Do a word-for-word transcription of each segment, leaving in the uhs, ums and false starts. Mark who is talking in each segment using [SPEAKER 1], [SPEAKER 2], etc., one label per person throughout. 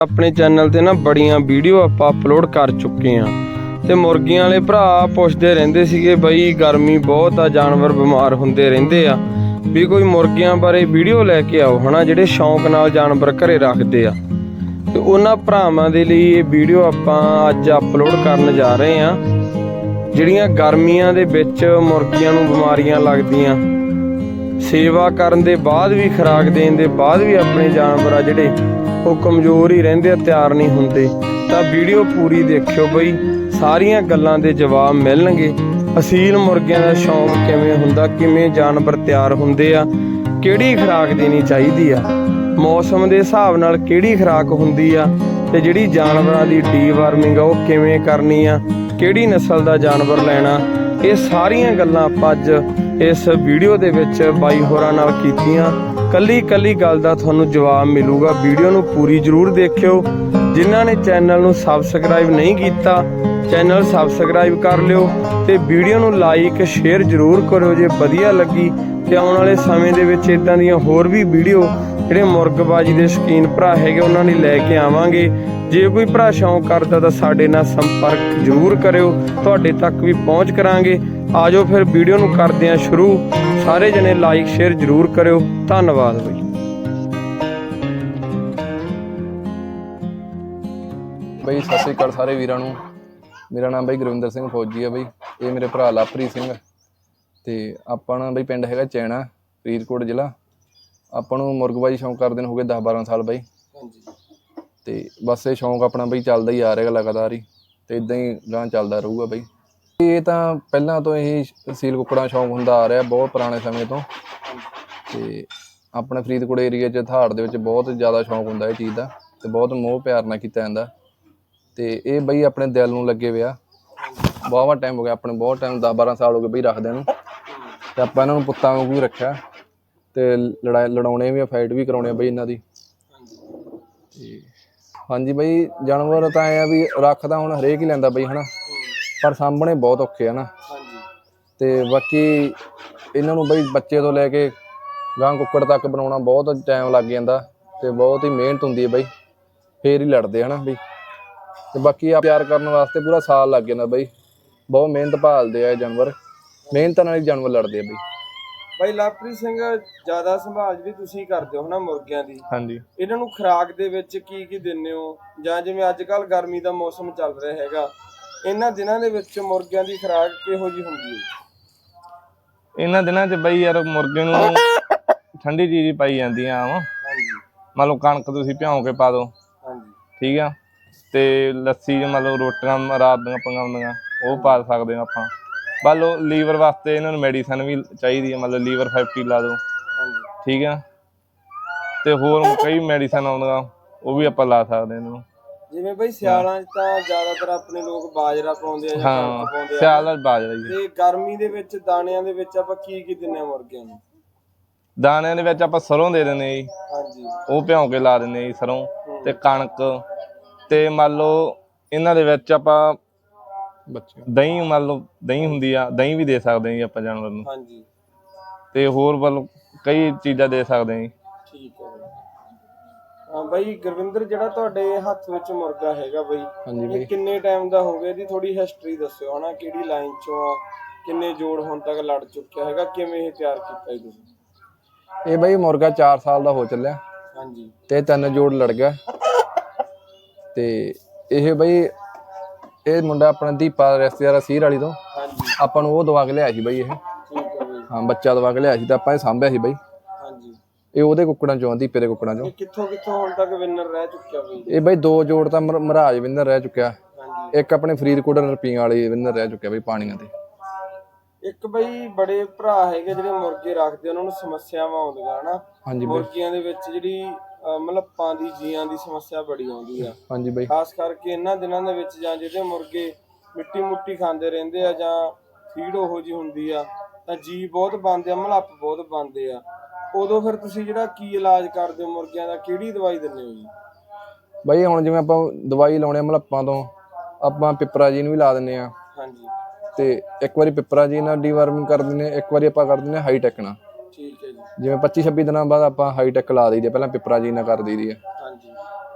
[SPEAKER 1] अपने चैनल ते ना बड़ियां वीडियो आपां अपलोड कर चुके हैं ते मुर्गियां वाले भरा पुछदे रहिंदे सीगे बई गर्मी बहुत आ, जानवर बीमार हुंदे रहिंदे आ भी कोई मुर्गियां बारे वीडियो लैके आओ है ना, जिहड़े शौक नाल जानवर घरे रखदे आ। ते उन्हां भरावां दे लई ये वीडियो आपां अज अपलोड करन जा रहे हैं। जिहड़ियां गर्मियां दे विच मुर्गियां नूं बीमारियां लगदियां, सेवा करन दे बाद भी, खुराक देण दे बाद भी अपने जानवर आ जिहड़े ਉਹ ਕਮਜ਼ੋਰ ਹੀ ਰਹਿੰਦੇ ਆ, ਤਿਆਰ ਨਹੀਂ ਹੁੰਦੇ। ਤਾਂ ਵੀਡੀਓ ਪੂਰੀ ਦੇਖਿਓ ਬਈ, ਸਾਰੀਆਂ ਗੱਲਾਂ ਦੇ ਜਵਾਬ ਮਿਲਣਗੇ। ਅਸੀਲ ਮੁਰਗਿਆਂ ਦਾ ਸ਼ੌਂਕ ਕਿਵੇਂ ਹੁੰਦਾ, ਕਿਵੇਂ ਜਾਨਵਰ ਤਿਆਰ ਹੁੰਦੇ ਆ, ਕਿਹੜੀ ਖੁਰਾਕ ਦੇਣੀ ਚਾਹੀਦੀ ਆ, ਮੌਸਮ ਦੇ ਹਿਸਾਬ ਨਾਲ ਕਿਹੜੀ ਖੁਰਾਕ ਹੁੰਦੀ ਆ, ਤੇ ਜਿਹੜੀ ਜਾਨਵਰਾਂ ਦੀ ਡੀਵਾਰਮਿੰਗ ਆ ਉਹ ਕਿਵੇਂ ਕਰਨੀ ਆ, ਕਿਹੜੀ ਨਸਲ ਦਾ ਜਾਨਵਰ ਲੈਣਾ, ਇਹ ਸਾਰੀਆਂ ਗੱਲਾਂ ਆਪਾਂ ਅੱਜ ਇਸ ਵੀਡੀਓ ਦੇ ਵਿੱਚ ਬਾਈ ਹੋਰਾਂ ਨਾਲ ਕੀਤੀਆਂ। ਕੱਲੀ ਕੱਲੀ ਗੱਲ ਦਾ ਤੁਹਾਨੂੰ ਜਵਾਬ ਮਿਲੂਗਾ। ਵੀਡੀਓ ਨੂੰ ਪੂਰੀ ਜ਼ਰੂਰ ਦੇਖਿਓ। ਜਿਨ੍ਹਾਂ ਨੇ ਚੈਨਲ ਨੂੰ ਸਬਸਕ੍ਰਾਈਬ ਨਹੀਂ ਕੀਤਾ, ਚੈਨਲ ਸਬਸਕ੍ਰਾਈਬ ਕਰ ਲਿਓ ਤੇ ਵੀਡੀਓ ਨੂੰ ਲਾਈਕ ਸ਼ੇਅਰ ਜ਼ਰੂਰ ਕਰਿਓ ਜੇ ਵਧੀਆ ਲੱਗੀ। ਤੇ ਆਉਣ ਵਾਲੇ ਸਮੇਂ ਦੇ ਵਿੱਚ ਇਦਾਂ ਦੀਆਂ ਹੋਰ ਵੀ ਵੀਡੀਓ ਜਿਹੜੇ ਮੁਰਗਬਾਜੀ ਦੇ ਸ਼ੌਕੀਨ ਭਰਾ ਹੈਗੇ ਉਹਨਾਂ ਲਈ ਲੈ ਕੇ ਆਵਾਂਗੇ। ਜੇ ਕੋਈ ਭਰਾ ਸ਼ੌਂਕ ਕਰਦਾ ਤਾਂ ਸਾਡੇ ਨਾਲ ਸੰਪਰਕ ਜ਼ਰੂਰ ਕਰਿਓ, ਤੁਹਾਡੇ ਤੱਕ ਵੀ ਪਹੁੰਚ ਕਰਾਂਗੇ। ਆ ਜਾਓ ਫਿਰ ਵੀਡੀਓ ਨੂੰ ਕਰਦੇ ਹਾਂ ਸ਼ੁਰੂ। ਸਾਰੇ ਜਣੇ ਲਾਈਕ ਸ਼ੇਅਰ ਜ਼ਰੂਰ ਕਰਿਓ। ਧੰਨਵਾਦ ਬਈ।
[SPEAKER 2] ਬਈ ਸਤਿ ਸ਼੍ਰੀ ਅਕਾਲ ਸਾਰੇ ਵੀਰਾਂ ਨੂੰ। ਮੇਰਾ ਨਾਮ ਬਈ ਗੁਰਵਿੰਦਰ ਸਿੰਘ ਫੌਜੀ ਆ ਬਈ, ਇਹ ਮੇਰੇ ਭਰਾ ਲਵਪ੍ਰੀਤ ਸਿੰਘ ਤੇ ਆਪਾਂ ਨਾ ਬਈ ਪਿੰਡ ਹੈਗਾ ਚੈਣਾ, ਫਰੀਦਕੋਟ ਜ਼ਿਲ੍ਹਾ। ਆਪਾਂ ਨੂੰ ਮੁਰਗਬਾਜੀ ਸ਼ੌਂਕ ਕਰਦੇ ਨੂੰ ਹੋ ਗਏ ਦਸ ਬਾਰਾਂ ਸਾਲ ਬਈ। ਤੇ ਬਸ ਇਹ ਸ਼ੌਂਕ ਆਪਣਾ ਬਈ ਚੱਲਦਾ ਹੀ ਆ ਰਿਹਾ ਲਗਾਤਾਰ ਹੀ, ਤੇ ਇਦਾਂ ਹੀ ਗਾਂ ਚੱਲਦਾ ਰਹੂਗਾ ਬਈ। ਇਹ ਤਾਂ ਪਹਿਲਾਂ ਤੋਂ ਇਹ ਸੀਲ ਕੁੱਕੜਾਂ ਸ਼ੌਂਕ ਹੁੰਦਾ ਆ ਰਿਹਾ ਬਹੁਤ ਪੁਰਾਣੇ ਸਮੇਂ ਤੋਂ। ਤੇ ਆਪਣੇ ਫਰੀਦਕੋਟ ਏਰੀਆ 'ਚ ਥਾੜ ਦੇ ਵਿੱਚ ਬਹੁਤ ਜ਼ਿਆਦਾ ਸ਼ੌਂਕ ਹੁੰਦਾ ਇਹ ਚੀਜ਼ ਦਾ, ਤੇ ਬਹੁਤ ਮੋਹ ਪਿਆਰ ਨਾਲ ਕੀਤਾ ਜਾਂਦਾ। ਤੇ ਇਹ ਬਈ ਆਪਣੇ ਦਿਲ ਨੂੰ ਲੱਗੇ ਵਿਆ ਬਹੁਤ ਟਾਈਮ ਹੋ ਗਿਆ, ਆਪਣੇ ਬਹੁਤ ਟਾਈਮ ਦਸ ਬਾਰਾਂ ਸਾਲ ਹੋ ਗਏ ਬਈ ਰੱਖਦਿਆਂ ਨੂੰ। ਤੇ ਆਪਾਂ ਇਹਨਾਂ ਨੂੰ ਪੁੱਤਾਂ ਵਾਂਗੂ ਹੀ ਰੱਖਿਆ ਤੇ ਲੜਾ ਲੜਾਉਣੇ ਵੀ, ਫਾਈਟ ਵੀ ਕਰਾਉਣੇ ਬਈ ਇਹਨਾਂ ਦੀ। ਤੇ ਹਾਂਜੀ ਬਈ, ਜਾਨਵਰ ਤਾਂ ਐਂ ਆ ਵੀ ਰੱਖਦਾ ਹੁਣ ਹਰੇਕ ਹੀ ਲੈਂਦਾ ਬਈ ਹੈ ਨਾ, ਪਰ ਸਾਂਭਣੇ ਬਹੁਤ ਔਖੇ ਆ ਨਾ। ਤੇ ਬਾਕੀ ਇਹਨਾਂ ਨੂੰ ਬਈ ਬੱਚੇ ਤੋਂ ਲੈ ਕੇ ਗਾਂ ਕੁੱਕੜ ਤੱਕ ਬਣਾਉਣਾ ਬਹੁਤ ਟਾਈਮ ਲੱਗ ਜਾਂਦਾ ਤੇ ਬਹੁਤ ਹੀ ਮਿਹਨਤ ਹੁੰਦੀ ਹੈ ਬਈ, ਫੇਰ ਹੀ ਲੜਦੇ ਹਨਾ ਬਈ। ਤੇ ਬਾਕੀ ਆ ਪਿਆਰ ਕਰਨ ਵਾਸਤੇ ਪੂਰਾ ਸਾਲ ਲੱਗ ਜਾਂਦਾ ਬਈ, ਬਹੁਤ ਮਿਹਨਤ ਭਾਲਦੇ ਆ ਇਹ ਜਾਨਵਰ, ਮਿਹਨਤ ਨਾਲ ਹੀ ਜਾਨਵਰ ਲੜਦੇ ਆ ਬਈ।
[SPEAKER 1] ਬਾਈ ਲਵਪ੍ਰੀਤ ਸਿੰਘ, ਜ਼ਿਆਦਾ ਸੰਭਾਲ ਵੀ ਤੁਸੀਂ ਕਰਦੇ ਹੋ ਨਾ ਮੁਰਗਿਆਂ ਦੀ?
[SPEAKER 2] ਹਾਂਜੀ। ਇਹਨਾਂ
[SPEAKER 1] ਨੂੰ ਖੁਰਾਕ ਦੇ ਵਿੱਚ ਕੀ ਕੀ ਦਿੰਦੇ ਹੋ, ਜਾਂ ਜਿਵੇਂ ਅੱਜ ਕੱਲ੍ਹ ਗਰਮੀ ਦਾ ਮੌਸਮ ਚੱਲ ਰਿਹਾ ਹੈਗਾ, ਇਹਨਾਂ ਦਿਨਾਂ ਦੇ ਵਿੱਚ ਮੁਰਗਿਆਂ ਦੀ ਖੁਰਾਕ ਕਿਹੋ ਜਿਹੀ ਹੁੰਦੀ ਹੈ?
[SPEAKER 3] ਇਹਨਾਂ ਦਿਨਾਂ 'ਚ ਬਈ ਯਾਰ ਮੁਰਗੇ ਨੂੰ ਠੰਡੀ ਚੀਜ਼ ਪਾਈ ਜਾਂਦੀ ਆ। ਮੰਨ ਲਓ ਕਣਕ ਤੁਸੀਂ ਭਿਉਂ ਕੇ ਪਾ ਦਿਓ, ਠੀਕ ਆ, ਤੇ ਲੱਸੀ 'ਚ ਮੰਨ ਲਓ ਰੋਟੀਆਂ ਰਾਤ ਦੀਆਂ ਪਕਾਉਂਦੀਆਂ ਉਹ ਪਾ ਸਕਦੇ ਹਾਂ ਆਪਾਂ। ਮੰਨ ਲਓ ਲੀਵਰ ਵਾਸਤੇ ਇਹਨਾਂ ਨੂੰ ਮੈਡੀਸਨ ਵੀ ਚਾਹੀਦੀ ਹੈ, ਮਤਲਬ ਲੀਵਰ ਫੈਕਟਰੀ ਲਾ ਦਿਓ, ਠੀਕ ਆ, ਤੇ ਹੋਰ ਕਈ ਮੈਡੀਸਨ ਆਉਂਦੀਆਂ ਉਹ ਵੀ ਆਪਾਂ ਲਾ ਸਕਦੇ ਇਹਨਾਂ ਨੂੰ।
[SPEAKER 1] ਜਿਵੇਂ ਬਈ ਸਿਆਲਾਂ 'ਚ ਤਾਂ ਜ਼ਿਆਦਾਤਰ ਆਪਣੇ ਲੋਕ ਬਾਜਰਾ ਪਾਉਂਦੇ ਆ ਜਾਂ ਕਣਕ ਪਾਉਂਦੇ ਆ,
[SPEAKER 3] ਸਿਆਲ ਦਾ ਬਾਜਰਾ ਹੀ।
[SPEAKER 1] ਤੇ ਗਰਮੀ ਦੇ ਵਿੱਚ ਦਾਣਿਆਂ ਦੇ ਵਿੱਚ ਆਪਾਂ ਕੀ ਕੀ ਦਿੰਦੇ ਆ ਮੁਰਗਿਆਂ ਨੂੰ?
[SPEAKER 3] ਦਾਣਿਆਂ ਦੇ ਵਿੱਚ ਆਪਾਂ ਸਰੋਂ ਦੇ ਦਿੰਦੇ ਜੀ,
[SPEAKER 1] ਹਾਂਜੀ,
[SPEAKER 3] ਉਹ ਭਿਉਂ ਕੇ ਲਾ ਦਿੰਦੇ ਜੀ ਸਰੋਂ ਤੇ ਕਣਕ। ਤੇ ਮੰਨ ਲਓ ਇਹਨਾਂ ਦੇ ਵਿੱਚ ਆਪਾਂ
[SPEAKER 2] ਬੱਚੇ
[SPEAKER 3] ਦਹੀਂ, ਮੰਨ ਲਓ ਦਹੀਂ ਹੁੰਦੀ ਆ, ਦਹੀਂ ਵੀ ਦੇ ਸਕਦੇ ਹਾਂ ਜੀ ਆਪਾਂ ਜਾਨਵਰ ਨੂੰ।
[SPEAKER 1] ਹਾਂਜੀ,
[SPEAKER 3] ਤੇ ਹੋਰ ਵੱਲ ਕਈ ਚੀਜ਼ਾਂ ਦੇ ਸਕਦੇ ਹਾਂ ਜੀ।
[SPEAKER 1] ਠੀਕ ਹੈ ਹਾਂ ਬਾਈ ਗੁਰਵਿੰਦਰ, ਜਿਹੜਾ ਤੁਹਾਡੇ ਹੱਥ ਵਿੱਚ ਮੁਰਗਾ ਹੈਗਾ ਬਈ, ਇਹ ਕਿੰਨੇ ਟਾਈਮ ਦਾ ਹੋ ਗਿਆ? ਇਹਦੀ ਥੋੜੀ ਹਿਸਟਰੀ ਦੱਸਿਓ ਹਨਾ, ਕਿਹੜੀ ਲਾਈਨ ਚੋਂ ਆ, ਕਿੰਨੇ ਜੋੜ ਹੁਣ ਤੱਕ ਲੜ ਚੁੱਕਿਆ ਹੈਗਾ, ਕਿਵੇਂ ਇਹ ਤਿਆਰ ਕੀਤਾ ਜੀ ਤੁਸੀਂ?
[SPEAKER 2] ਇਹ ਬਈ ਮੁਰਗਾ ਚਾਰ ਸਾਲ ਦਾ ਹੋ ਚੱਲਿਆ।
[SPEAKER 1] ਹਾਂਜੀ। ਤੇ
[SPEAKER 2] ਤਿੰਨ ਜੋੜ ਲੜ ਗਿਆ। ਤੇ ਇਹ ਬਈ ਇਹ ਮੁੰਡਾ ਆਪਣਾ ਦੀਪਾ ਰਿਸ਼ਤੇਦਾਰ ਸੀਰ ਵਾਲੀ ਤੋਂ ਆਪਾਂ ਨੂੰ ਉਹ ਦਵਾ ਕੇ ਲਿਆ ਸੀ ਬਈ। ਇਹ ਹਾਂ ਬੱਚਾ ਦਵਾ ਕੇ ਲਿਆ ਸੀ ਤਾਂ ਆਪਾਂ ਇਹ ਸਾਂਭਿਆ ਸੀ ਬਈ।
[SPEAKER 1] ਹਾਂਜੀ।
[SPEAKER 2] ਇਹ ਉਹਦੇ ਕੁੱਕੜਾਂ ਚੋਂ, ਦੀਪੇ ਦੇ ਕੁੱਕੜਾਂ ਚੋਂ।
[SPEAKER 1] ਕਿੱਥੋਂ ਕਿੱਥੋਂ ਹੁਣ ਤੱਕ ਵਿਨਰ ਰਹਿ ਚੁੱਕਿਆ ਬਈ? ਇਹ
[SPEAKER 2] ਬਈ ਦੋ ਜੋੜ ਤਾਂ ਮਹਾਰਾਜ ਵਿਨਰ ਰਹਿ ਚੁੱਕਿਆ, ਇੱਕ ਆਪਣੇ ਫਰੀਦਕੋਟ ਰੁਪਈਆਂ ਵਾਲੀ ਵਿਨਰ ਰਹਿ ਚੁੱਕਿਆ ਬਈ ਪਾਣੀਆਂ ਤੇ।
[SPEAKER 1] ਇੱਕ ਬਈ ਬੜੇ ਭਰਾ ਹੈਗੇ ਜਿਹੜੇ ਮੁਰਗੇ ਰੱਖਦੇ, ਉਹਨਾਂ ਨੂੰ ਸਮੱਸਿਆਵਾਂ ਆਉਂਦੀਆਂ ਹਨਾ।
[SPEAKER 2] ਹਾਂਜੀ।
[SPEAKER 1] ਮੁਰਗੀਆਂ ਦੇ ਵਿੱਚ ਜਿਹੜੀ ਮਲੱਪਾਂ ਦੀ, ਜੀਆਂ ਦੀ ਸਮੱਸਿਆ ਬੜੀ ਆਉਂਦੀ ਆ।
[SPEAKER 2] ਹਾਂਜੀ ਬਈ।
[SPEAKER 1] ਖਾਸ ਕਰਕੇ ਇਹਨਾਂ ਦਿਨਾਂ ਦੇ ਵਿੱਚ, ਜਾਂ ਜਿਹੜੇ ਮੁਰਗੇ ਮਿੱਟੀ ਮੁੱਟੀ ਖਾਂਦੇ ਰਹਿੰਦੇ ਆ ਜਾਂ ਫੀਡ ਉਹੋ ਜਿਹੀ ਹੁੰਦੀ ਆ, ਤਾਂ ਜੀ ਬਹੁਤ ਬਣਦੇ ਆ, ਮਲੱਪ ਬਹੁਤ ਬਣਦੇ ਆ। ਉਦੋਂ ਫਿਰ ਤੁਸੀਂ ਜਿਹੜਾ ਕੀ ਇਲਾਜ ਕਰਦੇ ਹੋ ਮੁਰਗਿਆਂ ਦਾ, ਕਿਹੜੀ ਦਵਾਈ ਦਿੰਦੇ ਹੋ ਜੀ?
[SPEAKER 2] ਬਈ ਹੁਣ ਜਿਵੇਂ ਆਪਾਂ ਦਵਾਈ ਲਾਉਣੇ ਆ ਮਲੱਪਾਂ ਤੋਂ, ਆਪਾਂ ਪਿਪਰਾਜੀਨ ਵੀ ਲਾ ਦਿੰਦੇ ਆ। ਹਾਂਜੀ। ਤੇ ਇੱਕ ਵਾਰੀ ਪਿਪਰਾਜੀਨ ਨਾਲ ਡੀਵਾਰਮਿੰਗ ਕਰ ਦਿੰਦੇ ਆ, ਇੱਕ ਵਾਰੀ ਆਪਾਂ ਕਰ ਦਿੰਦੇ ਆ ਹਾਈਟੈਕ ਨਾਲ। ਠੀਕ ਹੈ ਜੀ। ਜਿਵੇਂ ਪੱਚੀ ਛੱਬੀ ਦਿਨਾਂ ਬਾਅਦ ਆਪਾਂ ਹਾਈਟੈਕ ਲਾ ਦਈਦੀ ਆ, ਪਹਿਲਾਂ ਪਿਪਰਾਜੀਨ ਨਾਲ ਕਰ ਦਈਦੀ ਆ। ਹਾਂਜੀ।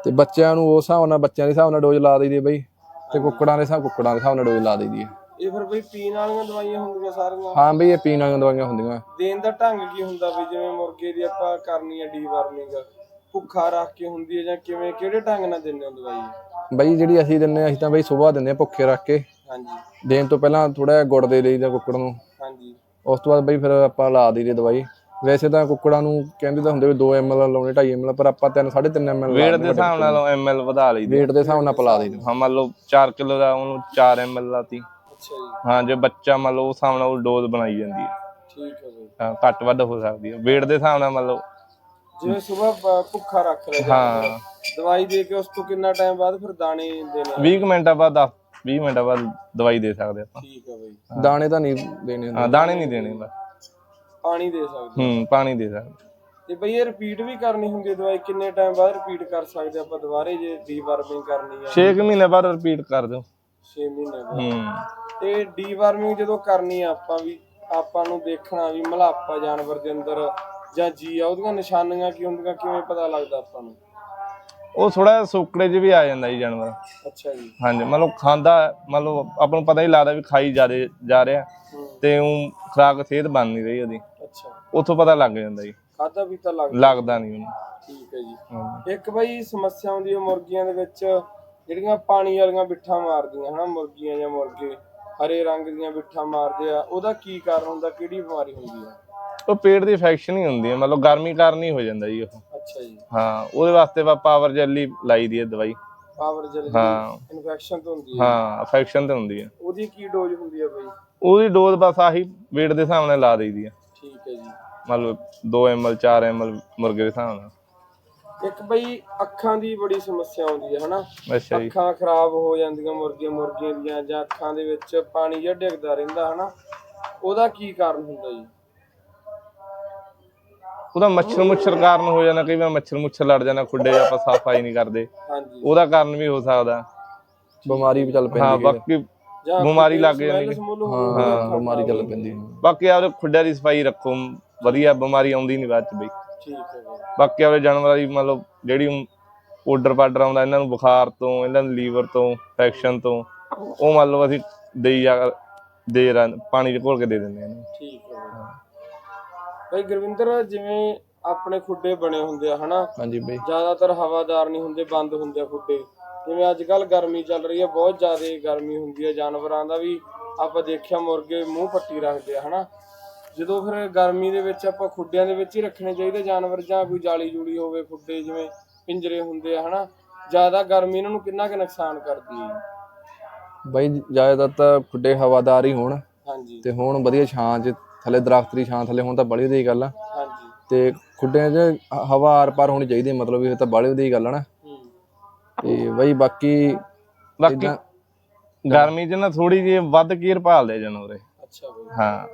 [SPEAKER 2] ਤੇ ਬੱਚਿਆਂ ਨੂੰ ਉਸ ਹਿਸਾਬ ਨਾਲ ਬੱਚਿਆਂ ਦੇ ਹਿਸਾਬ ਨਾਲ ਡੋਜ਼ ਲਾ ਦਈਦੀ ਬਈ, ਤੇ ਕੁੱਕੜਾਂ ਦੇ ਹਿਸਾਬ ਕੁੱਕੜਾਂ ਦੇ ਹਿਸਾਬ ਨਾਲ ਡੋਜ਼ ਲਾ ਦਈਦੀ ਹੈ।
[SPEAKER 1] ਇਹ ਫਿਰ ਬਈ ਪੀਣ ਵਾਲੀਆਂ ਦਵਾਈਆਂ ਹੁੰਦੀਆਂ ਸਾਰੀਆਂ?
[SPEAKER 2] ਹਾਂ ਬਈ ਇਹ ਪੀਣ ਵਾਲੀਆਂ ਦਵਾਈਆਂ ਹੁੰਦੀਆਂ।
[SPEAKER 1] ਦੇਣ ਦਾ ਢੰਗ ਕੀ ਹੁੰਦਾ ਵੀ, ਜਿਵੇਂ ਮੁਰਗੇ ਦੀ ਆਪਾਂ ਕਰਨੀ ਹੈ ਡੀਵਾਰਮਿੰਗ, ਭੁੱਖਾ ਰੱਖ ਕੇ ਹੁੰਦੀ ਹੈ ਜਾਂ ਕਿਵੇਂ, ਕਿਹੜੇ ਢੰਗ ਨਾਲ ਦਿੰਦੇ ਹੋ ਦਵਾਈ?
[SPEAKER 2] ਬਈ ਜਿਹੜੀ ਅਸੀਂ ਦਿੰਦੇ ਹਾਂ, ਅਸੀਂ ਤਾਂ ਬਈ ਸੁਬਾਹ ਦਿੰਦੇ ਹਾਂ ਭੁੱਖੇ ਰੱਖ ਕੇ।
[SPEAKER 1] ਹਾਂਜੀ।
[SPEAKER 2] ਦੇਣ ਤੋਂ ਪਹਿਲਾਂ ਥੋੜਾ ਜਿਹਾ ਗੁੜ ਦੇ ਲਈਦਾ ਕੁੱਕੜ ਨੂੰ।
[SPEAKER 1] ਹਾਂਜੀ।
[SPEAKER 2] ਉਸ ਤੋਂ ਬਾਅਦ ਬਈ ਫਿਰ ਆਪਾਂ ਲਾ ਦਈਦੀ ਦਵਾਈ। ਵੈਸੇ ਤਾਂ ਕੁੱਕੜਾਂ ਨੂੰ ਕਹਿੰਦੇ ਤਾਂ ਹੁੰਦੇ ਵੀ ਦੋ ਐਮ ਐਲ ਲਾਉਣੇ, ਢਾਈ ਐਮ ਐਲ, ਪਰ ਆਪਾਂ ਤਿੰਨ ਸਾਢੇ ਤਿੰਨ ਐਮ ਐਲ
[SPEAKER 3] ਵੇਟ ਦੇ ਹਿਸਾਬ ਨਾਲ ਐਮ ਐਲ ਵਧਾ ਲਈਦੇ।
[SPEAKER 2] ਵੇਟ ਦੇ ਹਿਸਾਬ ਨਾਲ ਪਿਲਾ ਦਈਦੇ।
[SPEAKER 3] ਹਾਂ ਮੰਨ ਲਓ ਚਾਰ ਕਿਲੋ ਦਾ ਉਹਨੂੰ ਚਾਰ ਐਮ ਐਲ ਲਾਤੀ।
[SPEAKER 1] ਅੱਛਾ ਜੀ।
[SPEAKER 3] ਹਾਂ ਜੇ ਬੱਚਾ ਮੰਨ ਲਓ ਉਸ ਹਿਸਾਬ ਨਾਲ ਉਹ ਡੋਜ਼ ਬਣਾਈ ਜਾਂਦੀ ਹੈ।
[SPEAKER 1] ਠੀਕ ਹੈ ਬਈ।
[SPEAKER 3] ਹਾਂ ਘੱਟ ਵੱਧ ਹੋ ਸਕਦੀ ਹੈ ਵੇਟ ਦੇ ਹਿਸਾਬ ਨਾਲ। ਮੰਨ ਲਓ
[SPEAKER 1] ਜਿਵੇਂ ਸੁਬਾਹ ਭੁੱਖਾ ਰੱਖ ਲਿਆ,
[SPEAKER 3] ਹਾਂ
[SPEAKER 1] ਦਵਾਈ ਦੇ ਕੇ ਉਸ ਤੋਂ ਕਿੰਨਾ ਟਾਈਮ ਬਾਅਦ ਫਿਰ ਦਾਣੇ ਦੇਣੇ?
[SPEAKER 3] ਵੀਹ ਮਿੰਟਾਂ ਬਾਅਦ, ਦਸ ਵੀਹ ਮਿੰਟਾਂ ਬਾਅਦ ਦਵਾਈ ਦੇ ਸਕਦੇ ਆਪਾਂ।
[SPEAKER 1] ਠੀਕ ਹੈ ਬਈ।
[SPEAKER 2] ਦਾਣੇ ਤਾਂ ਨਹੀਂ ਦੇਣੇ ਹੁੰਦੇ।
[SPEAKER 3] ਹਾਂ ਦਾਣੇ ਨਹੀਂ ਦੇਣੇ ਬਸ,
[SPEAKER 1] ਪਾਣੀ ਦੇ ਸਕਦੇ।
[SPEAKER 3] ਹੂੰ ਪਾਣੀ ਦੇ ਸਕਦੇ।
[SPEAKER 1] ਤੇ ਬਈ ਇਹ ਰਿਪੀਟ ਵੀ ਕਰਨੀ ਹੁੰਦੀ ਹੈ ਦਵਾਈ? ਕਿੰਨੇ ਟਾਈਮ ਬਾਅਦ ਰਿਪੀਟ ਕਰ ਸਕਦੇ ਆਪਾਂ ਦੁਬਾਰੇ ਜੇ ਡੀਵਾਰਮਿੰਗ ਕਰਨੀ ਹੈ?
[SPEAKER 3] ਛੇ ਮਹੀਨੇ ਬਾਅਦ ਰਿਪੀਟ ਕਰ ਦਿਓ।
[SPEAKER 1] ਛੇ ਮਹੀਨੇ ਬਾਅਦ।
[SPEAKER 3] ਹੂੰ।
[SPEAKER 1] ਤੇ ਡੀਵਾਰਮਿੰਗ ਜਦੋਂ ਕਰਨੀ ਆ ਆਪਾਂ ਵੀ, ਆਪਾਂ ਨੂੰ ਦੇਖਣਾ ਵੀ ਮਲਾਪਾ ਜਾਨਵਰ ਦੇ ਅੰਦਰ ਜਾਂ ਜੀ ਆ, ਉਹਦੀਆਂ ਨਿਸ਼ਾਨੀਆਂ ਕੀ ਹੁੰਦੀਆਂ, ਕਿਵੇਂ ਪਤਾ ਲੱਗਦਾ ਆਪਾਂ ਨੂੰ?
[SPEAKER 3] ਉਹ ਥੋੜਾ ਸੁੱਕੜੇ 'ਚ ਵੀ ਆ ਜਾਂਦਾ ਜੀ ਜਾਨਵਰ।
[SPEAKER 1] ਅੱਛਾ ਜੀ।
[SPEAKER 3] ਹਾਂਜੀ ਮੰਨ ਲਓ ਖਾਂਦਾ, ਮੰਨ ਲਓ ਆਪਾਂ ਨੂੰ ਪਤਾ ਹੀ ਲੱਗਦਾ ਵੀ ਖਾਈ ਜ਼ਿਆਦੇ ਜਾ ਰਿਹਾ ਤੇ ਉਹ ਖੁਰਾਕ ਸਿਹਤ ਬਣ ਨਹੀਂ ਰਹੀ ਉਹਦੀ।
[SPEAKER 1] ਅੱਛਾ।
[SPEAKER 3] ਉੱਥੋਂ ਪਤਾ ਲੱਗ ਜਾਂਦਾ ਜੀ।
[SPEAKER 1] ਖਾਧਾ ਪੀਤਾ ਲੱਗਦਾ
[SPEAKER 3] ਲੱਗਦਾ ਨਹੀਂ ਉਹਨੂੰ।
[SPEAKER 1] ਠੀਕ ਹੈ ਜੀ। ਇੱਕ ਬਈ ਸਮੱਸਿਆ ਆਉਂਦੀ ਹੈ ਮੁਰਗੀਆਂ ਦੇ ਵਿੱਚ, ਜਿਹੜੀਆਂ ਪਾਣੀ ਵਾਲੀਆਂ ਬਿੱਠਾਂ ਮਾਰਦੀਆਂ ਹਨਾ ਮੁਰਗੀਆਂ ਜਾਂ ਮੁਰਗੇ, ਹਰੇ ਰੰਗ ਦੀਆਂ ਬਿੱਠਾਂ ਮਾਰਦੇ ਆ, ਉਹਦਾ ਕੀ ਕਾਰਨ ਹੁੰਦਾ, ਕਿਹੜੀ ਬਿਮਾਰੀ ਹੁੰਦੀ ਹੈ?
[SPEAKER 3] ਉਹ ਪੇਟ ਦੀ ਇਨਫੈਕਸ਼ਨ ਹੀ ਹੁੰਦੀ ਹੈ, ਮਤਲਬ ਗਰਮੀ ਕਾਰਨ ਹੀ ਹੋ ਜਾਂਦਾ ਜੀ ਉਹ।
[SPEAKER 1] ਅੱਛਾ ਜੀ।
[SPEAKER 3] ਹਾਂ ਉਹਦੇ ਵਾਸਤੇ ਆਪਾਂ ਪਾਵਰ ਜੈਲੀ ਲਾਈ ਦੀ ਹੈ ਦਵਾਈ।
[SPEAKER 1] Power jelly? ਹਾਂ। ਇਨਫੈਕਸ਼ਨ ਤੋਂ ਹੁੰਦੀ ਹੈ?
[SPEAKER 3] ਹਾਂ ਇਨਫੈਕਸ਼ਨ ਤੇ ਹੁੰਦੀ ਹੈ।
[SPEAKER 1] ਉਹਦੀ ਕੀ ਡੋਜ਼ ਹੁੰਦੀ ਹੈ ਬਈ?
[SPEAKER 3] ਉਹਦੀ ਡੋਜ਼ ਬਸ ਆਹੀ ਵੇਟ ਦੇ ਹਿਸਾਬ ਨਾਲ ਲਾ ਦਈਦੀ ਹੈ।
[SPEAKER 1] ਠੀਕ ਹੈ ਜੀ।
[SPEAKER 3] ਮਤਲਬ ਦੋ ਐਮ ਐਲ ਚਾਰ ਐਮ ਐਲ ਮੁਰਗੇ ਦੇ ਹਿਸਾਬ ਨਾਲ।
[SPEAKER 1] ਇੱਕ ਬਈ ਅੱਖਾਂ ਦੀ ਬੜੀ ਸਮੱਸਿਆ ਆਉਂਦੀ ਹੈ ਹਨਾ।
[SPEAKER 3] ਅੱਛਾ ਜੀ।
[SPEAKER 1] ਅੱਖਾਂ ਖਰਾਬ ਹੋ ਜਾਂਦੀਆਂ ਮੁਰਗੀਆਂ ਮੁਰਗੀਆਂ ਦੀਆਂ, ਜਾਂ ਅੱਖਾਂ ਦੇ ਵਿੱਚ ਪਾਣੀ ਜਿਹਾ ਡਿੱਗਦਾ ਰਹਿੰਦਾ ਹਨਾ, ਉਹਦਾ ਕੀ ਕਾਰਨ ਹੁੰਦਾ ਜੀ?
[SPEAKER 3] ਉਹਦਾ ਮੱਛਰ ਮੁੱਛਰ ਕਾਰਨ ਹੋ ਜਾਣਾ, ਕਈ ਵਾਰ ਮੱਛਰ ਮੁੱਛਰ ਲੜ ਜਾਣਾ ਖੁੱਡੇ, ਆਪਾਂ ਸਫਾਈ ਨਹੀਂ ਕਰਦੇ।
[SPEAKER 1] ਹਾਂਜੀ।
[SPEAKER 3] ਉਹਦਾ ਕਾਰਨ ਵੀ ਹੋ ਸਕਦਾ।
[SPEAKER 2] ਬਿਮਾਰੀ ਵੀ ਚੱਲ ਪੈਂਦੀ
[SPEAKER 3] ਹਾਂ
[SPEAKER 2] ਹੈ।
[SPEAKER 3] ਬਾਕੀ ਬਿਮਾਰੀ ਲੱਗ ਜਾਂਦੀ ਹੈ।
[SPEAKER 2] ਹਾਂ ਬਿਮਾਰੀ ਚੱਲ ਪੈਂਦੀ ਹੈ।
[SPEAKER 3] ਬਾਕੀ ਆਪਦੇ ਖੁੱਡਿਆਂ ਦੀ ਸਫਾਈ ਰੱਖੋ ਵਧੀਆ, ਬਿਮਾਰੀ ਆਉਂਦੀ ਨਹੀਂ ਬਾਅਦ ਚ ਬਈ।
[SPEAKER 1] ਠੀਕ ਹੈ ਜੀ। ਬਾਕੀ
[SPEAKER 3] ਆਪਦੇ ਜਾਨਵਰਾਂ ਦੀ ਮਤਲਬ ਜਿਹੜੀ ਆਰਡਰ ਪਾਡਰ ਆਉਂਦਾ ਇਹਨਾਂ ਨੂੰ ਬੁਖਾਰ ਤੋਂ, ਇਹਨਾਂ ਨੂੰ ਲੀਵਰ ਤੋਂ, ਇਨਫੈਕਸ਼ਨ ਤੋਂ, ਉਹ ਮੰਨ ਲਓ ਅਸੀਂ ਦੇਈ ਜਾ ਦੇ ਪਾਣੀ ਚ ਘੋਲ ਕੇ ਦੇ ਦਿੰਦੇ ਹਾਂ।
[SPEAKER 1] ਠੀਕ ਹੈ ਬਈ। ਗੁਰਵਿੰਦਰ, ਜਿਵੇਂ ਆਪਣੇ ਖੁੱਡੇ ਬਣੇ ਹੁੰਦੇ ਆ ਹਨਾ,
[SPEAKER 2] ਹਾਂਜੀ ਬਈ,
[SPEAKER 1] ਜ਼ਿਆਦਾਤਰ ਹਵਾਦਾਰ ਨਹੀਂ ਹੁੰਦੇ, ਬੰਦ ਹੁੰਦੇ ਆ ਖੁੱਡੇ। ਜਿਵੇਂ ਅੱਜ ਕੱਲ ਗਰਮੀ ਚੱਲ ਰਹੀ ਹੈ, ਬਹੁਤ ਜ਼ਿਆਦਾ ਗਰਮੀ ਹੁੰਦੀ ਹੈ, ਜਾਨਵਰਾਂ ਦਾ ਵੀ ਆਪਾਂ ਦੇਖਿਆ ਮੁਰਗੇ ਮੂੰਹ ਪੱਟੀ ਰੱਖਦੇ ਆ ਹਨਾ। ਜਦੋਂ ਫਿਰ ਗਰਮੀ ਦੇ ਵਿੱਚ ਆਪਾਂ ਖੁੱਡਿਆਂ ਦੇ ਵਿੱਚ ਹੀ ਰੱਖਣੇ ਚਾਹੀਦੇ ਜਾਨਵਰ, ਜਾਂ ਕੋਈ ਜਾਲੀ ਜੂਲੀ ਹੋਵੇ, ਖੁੱਡੇ ਜਿਵੇਂ ਪਿੰਜਰੇ ਹੁੰਦੇ ਆ ਹਨਾ, ਜ਼ਿਆਦਾ ਗਰਮੀ ਇਹਨਾਂ ਨੂੰ ਕਿੰਨਾ ਕੁ ਨੁਕਸਾਨ ਕਰਦੀ ਹੈ
[SPEAKER 2] ਬਈ? ਜ਼ਿਆਦਾਤਰ ਤਾਂ ਖੁੱਡੇ ਹਵਾਦਾਰ ਹੀ ਹੋਣ।
[SPEAKER 1] ਹਾਂਜੀ। ਤੇ
[SPEAKER 2] ਹੁਣ ਵਧੀਆ ਛਾਂ 'ਚ ਥੱਲੇ, ਦਰਖਤ ਦੀ ਛਾਂ ਥੱਲੇ ਹੋਣ ਤਾਂ ਬੜੀ ਵਧੀਆ ਗੱਲ ਆ।
[SPEAKER 1] ਹਾਂਜੀ।
[SPEAKER 2] ਤੇ ਖੁੱਡਿਆਂ 'ਚ ਹਵਾ ਆਰ ਪਾਰ ਹੋਣੀ ਚਾਹੀਦੀ, ਮਤਲਬ ਇਹ ਤਾਂ ਬੜੀ ਵਧੀਆ ਗੱਲ ਆ ਨਾ। ਤੇ ਬਈ ਬਾਕੀ
[SPEAKER 3] ਬਾਕੀ ਗਰਮੀ 'ਚ ਨਾ ਥੋੜੀ ਜਿਹੀ ਵੱਧ ਕੇਅਰ ਭਾਲਦੇ ਜਾਨਵਰ।
[SPEAKER 1] ਅੱਛਾ ਬਈ।
[SPEAKER 3] ਹਾਂ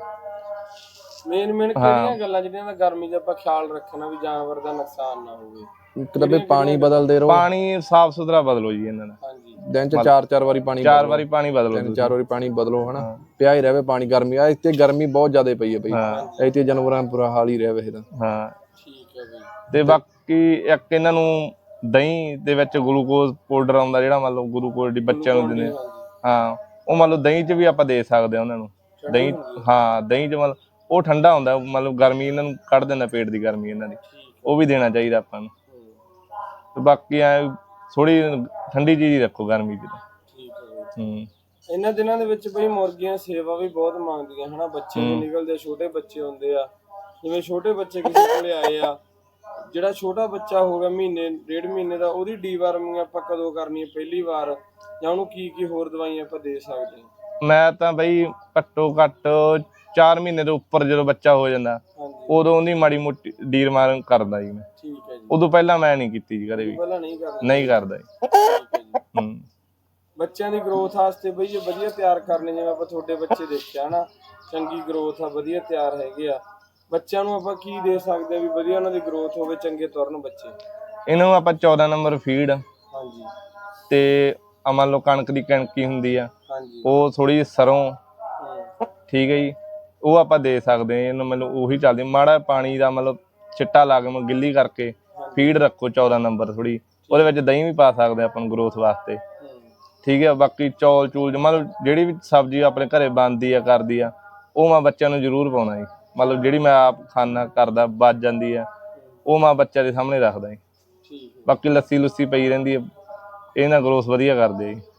[SPEAKER 1] ਮੇਨ ਮੇਨ ਕਿਹੜੀਆਂ ਗੱਲਾਂ ਜਿਹੜੀਆਂ ਦਾ ਗਰਮੀ 'ਚ ਆਪਾਂ ਖਿਆਲ ਰੱਖਣਾ ਵੀ ਜਾਨਵਰ ਦਾ ਨੁਕਸਾਨ ਨਾ ਹੋਵੇ?
[SPEAKER 2] ਇੱਕ ਤਾਂ ਬਈ ਪਾਣੀ ਬਦਲਦੇ ਰਹੋ।
[SPEAKER 3] ਪਾਣੀ ਸਾਫ ਸੁਥਰਾ ਬਦਲੋ ਜੀ ਇਹਨਾਂ ਦਾ।
[SPEAKER 1] ਹਾਂਜੀ।
[SPEAKER 2] ਦਿਨ 'ਚ ਚਾਰ ਚਾਰ ਵਾਰੀ ਪਾਣੀ
[SPEAKER 3] ਚਾਰ ਵਾਰੀ ਪਾਣੀ ਬਦਲੋ,
[SPEAKER 2] ਤਿੰਨ ਚਾਰ ਵਾਰੀ ਪਾਣੀ ਬਦਲੋ ਹਨਾ, ਪਿਆ ਹੀ ਰਹੇ ਪਾਣੀ। ਗਰਮੀ ਆ ਇੱਥੇ ਗਰਮੀ ਬਹੁਤ ਜ਼ਿਆਦਾ ਪਈ ਹੈ ਬਈ, ਇੱਥੇ ਜਾਨਵਰਾਂ ਬੁਰਾ ਹਾਲ ਹੀ ਰਿਹਾ ਵੈਸੇ ਤਾਂ।
[SPEAKER 3] ਹਾਂ
[SPEAKER 1] ਠੀਕ ਹੈ ਬਈ।
[SPEAKER 3] ਤੇ ਬਾਕੀ ਇੱਕ ਇਹਨਾਂ ਨੂੰ ਦਹੀਂ ਦੇ ਵਿੱਚ ਗਲੂਕੋਜ਼ ਪਾਊਡਰ ਆਉਂਦਾ, ਜਿਹੜਾ ਮੰਨ ਲਓ ਗਲੂਕੋਜ਼ ਦੀ ਬੱਚਿਆਂ ਨੂੰ ਦਿੰਦੇ ਹਾਂ, ਉਹ ਮੰਨ ਲਓ ਦਹੀਂ 'ਚ ਵੀ ਆਪਾਂ ਦੇ ਸਕਦੇ ਹਾਂ ਉਹਨਾਂ ਨੂੰ। ਦਹੀਂ, ਹਾਂ ਦਹੀਂ 'ਚ ਮਤਲਬ ਉਹ ਠੰਡਾ ਹੁੰਦਾ, ਮਤਲਬ ਗਰਮੀ ਇਹਨਾਂ ਨੂੰ ਕੱਢ ਦਿੰਦਾ, ਪੇਟ ਦੀ ਗਰਮੀ ਇਹਨਾਂ ਦੀ, ਉਹ ਵੀ ਦੇਣਾ ਚਾਹੀਦਾ ਆਪਾਂ ਨੂੰ। ਤੇ ਬਾਕੀ ਐ ਥੋੜੀ ਠੰਡੀ ਚੀਜ਼ ਹੀ ਰੱਖੋ ਗਰਮੀ 'ਚ।
[SPEAKER 1] ਠੀਕ ਹੈ ਬਈ।
[SPEAKER 3] ਹੂੰ।
[SPEAKER 1] ਇਹਨਾਂ ਦਿਨਾਂ ਦੇ ਵਿੱਚ ਬਈ ਮੁਰਗੀਆਂ ਸੇਵਾ ਵੀ ਬਹੁਤ ਮੰਗਦੀਆਂ ਹਨਾ, ਬੱਚੇ ਵੀ ਨਿਕਲਦੇ, ਛੋਟੇ ਬੱਚੇ ਹੁੰਦੇ ਆ। ਜਿਵੇਂ ਛੋਟੇ ਬੱਚੇ ਕਿਸੇ ਕੋਲੇ ਆਏ ਆ, ਜਿਹੜਾ ਛੋਟਾ ਬੱਚਾ ਹੋ ਗਿਆ ਮਹੀਨੇ ਡੇਢ ਮਹੀਨੇ ਦਾ, ਉਹਦੀ ਡੀਵਾਰਮਿੰਗ ਆਪਾਂ ਕਦੋਂ ਕਰਨੀ ਹੈ ਪਹਿਲੀ ਵਾਰ, ਜਾਂ ਉਹਨੂੰ ਕੀ ਕੀ ਹੋਰ ਦਵਾਈਆਂ ਆਪਾਂ ਦੇ ਸਕਦੇ ਹਾਂ?
[SPEAKER 3] ਮੈਂ ਤਾਂ ਬਈ ਘੱਟੋ ਘੱਟ ਚਾਰ ਮਹੀਨੇ ਦੇ ਉੱਪਰ ਜਦੋਂ ਬੱਚਾ ਹੋ ਜਾਂਦਾ, ਉਦੋਂ ਉਹਦੀ ਮਾੜੀ ਮੋਟੀ ਡੀਵਾਰਮਿੰਗ ਕਰਦਾ ਜੀ ਮੈਂ।
[SPEAKER 1] ਠੀਕ ਹੈ ਜੀ।
[SPEAKER 3] ਉਦੋਂ ਪਹਿਲਾਂ ਮੈਂ ਨਹੀਂ ਕੀਤੀ ਜੀ ਕਦੇ ਵੀ।
[SPEAKER 1] ਪਹਿਲਾਂ ਨਹੀਂ ਕਰਦਾ?
[SPEAKER 3] ਨਹੀਂ ਕਰਦਾ ਜੀ।
[SPEAKER 1] ਠੀਕ ਹੈ ਜੀ।
[SPEAKER 3] ਹੂੰ।
[SPEAKER 1] ਬੱਚਿਆਂ ਦੀ ਗਰੋਥ ਵਾਸਤੇ ਬਈ ਇਹ ਵਧੀਆ ਤਿਆਰ ਕਰਨੇ, ਜਿਵੇਂ ਆਪਾਂ ਤੁਹਾਡੇ ਬੱਚੇ ਦੇਖਿਆ ਹਨਾ, ਚੰਗੀ ਗਰੋਥ ਆ, ਵਧੀਆ ਤਿਆਰ ਹੈਗੇ ਆ, ਬੱਚਿਆਂ ਨੂੰ ਆਪਾਂ ਕੀ ਦੇ ਸਕਦੇ ਆ ਵੀ ਵਧੀਆ ਉਹਨਾਂ ਦੀ ਗਰੋਥ ਹੋਵੇ, ਚੰਗੇ ਤੁਰਨ ਬੱਚੇ? ਇਹਨਾਂ
[SPEAKER 3] ਨੂੰ ਆਪਾਂ ਚੌਦਾਂ ਨੰਬਰ ਫੀਡ,
[SPEAKER 1] ਹਾਂਜੀ,
[SPEAKER 3] ਤੇ ਮੰਨ ਲਓ ਕਣਕ ਦੀ ਕਣਕੀ ਹੁੰਦੀ ਆ,
[SPEAKER 1] ਹਾਂਜੀ,
[SPEAKER 3] ਉਹ ਥੋੜੀ ਸਰੋਂ, ਠੀਕ ਹੈ ਜੀ, ਉਹ ਆਪਾਂ ਦੇ ਸਕਦੇ ਹਾਂ ਇਹਨੂੰ। ਮਤਲਬ ਉਹੀ ਚੱਲਦੀ, ਮਾੜਾ ਪਾਣੀ ਦਾ ਮਤਲਬ ਛਿੱਟਾ ਲਾ ਕੇ ਗਿੱਲੀ ਕਰਕੇ ਫੀਡ ਰੱਖੋ ਚੌਦਾਂ ਨੰਬਰ ਥੋੜੀ, ਉਹਦੇ ਵਿੱਚ ਦਹੀਂ ਵੀ ਪਾ ਸਕਦੇ ਆਪਾਂ ਨੂੰ ਗਰੋਥ ਵਾਸਤੇ, ਠੀਕ ਹੈ। ਬਾਕੀ ਚੌਲ ਚੂਲ ਮਤਲਬ ਜਿਹੜੀ ਵੀ ਸਬਜ਼ੀ ਆਪਣੇ ਘਰੇ ਬਣਦੀ ਆ ਕਰਦੀ ਆ ਉਹ ਮੈਂ ਬੱਚਿਆਂ ਨੂੰ ਜ਼ਰੂਰ ਪਾਉਣਾ ਜੀ। ਮਤਲਬ ਜਿਹੜੀ ਮੈਂ ਆਪ ਖਾਣਾ ਕਰਦਾ ਬਚ ਜਾਂਦੀ ਆ ਉਹ ਮੈਂ ਬੱਚਿਆਂ ਦੇ ਸਾਹਮਣੇ ਰੱਖਦਾ ਜੀ। ਬਾਕੀ ਲੱਸੀ ਲੁੱਸੀ ਪਈ ਰਹਿੰਦੀ ਹੈ, ਇਹ ਨਾਲ ਗਰੋਥ ਵਧੀਆ ਕਰਦੇ ਜੀ।